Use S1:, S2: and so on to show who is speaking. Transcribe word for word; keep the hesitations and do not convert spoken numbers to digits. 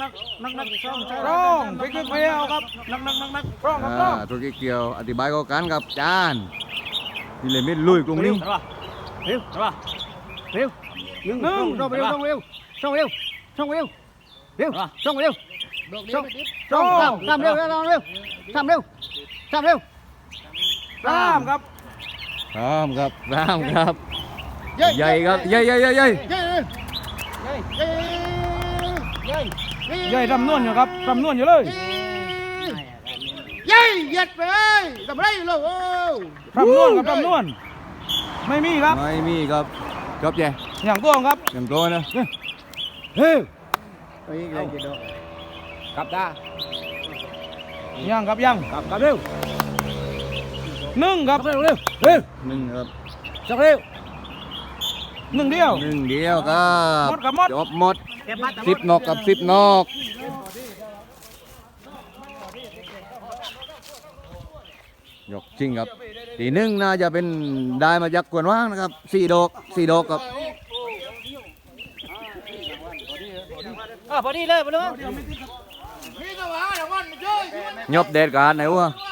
S1: นักนักนักช่อง
S2: ร้องไปขึ้นไปเอาครับนักนักนักนักร้องครับร้
S3: อ่า
S2: อง
S3: ธุรกิจเกี่ยวอธิบายก็กันกับจานนี่เลยมิดลุยกรุงนี้
S1: เร็วเร็วเร็วหนึ่งช่องเร็วช่องเร็วช่องเร็วช่องเร็วเร็วช่องเร็วช่องช่องสามสามเร็วสามเร็วสามเร็วสามเร็ว
S2: สามครับ
S3: พร้อมครับพร้อมครับใหญ่ครับใหญ่ใหญ่ใหญ่ใหญ่
S1: เย้เย้เย้เย้
S2: ใหญ่รำนวลอยู่ครับรำนวลอยู่เลย
S1: เย้เหยียดไปทำไรลูกโอ้
S2: รำนวลครับรำนวลไม่มีครับ
S3: ไม่มีครับจบใหญ่
S2: อย่างตัวครับ
S3: อย่างตัวนะ
S2: เฮ้ย
S1: ไปอีกเลยกินดอก
S2: กลับตายังครับยังกลับกลับเร็วหนึ่งครับเร็วเร็วเร็ว
S3: หนึ่งครับ
S2: จักเร็วหนึ่งเดียว
S3: หนึ่งเดียวครับ
S2: หมดครับหมด
S3: จบหมดสิบนกกับสิบนกยกจริงครับทีหนึ่งน่าจะเป็นได้มาจากกวนว่างนะครับสี่ดอกสี่ดอกครับ
S1: อ่ะพอดีเลยพอดี
S3: ยบเด็ดการไหนวะ
S1: เ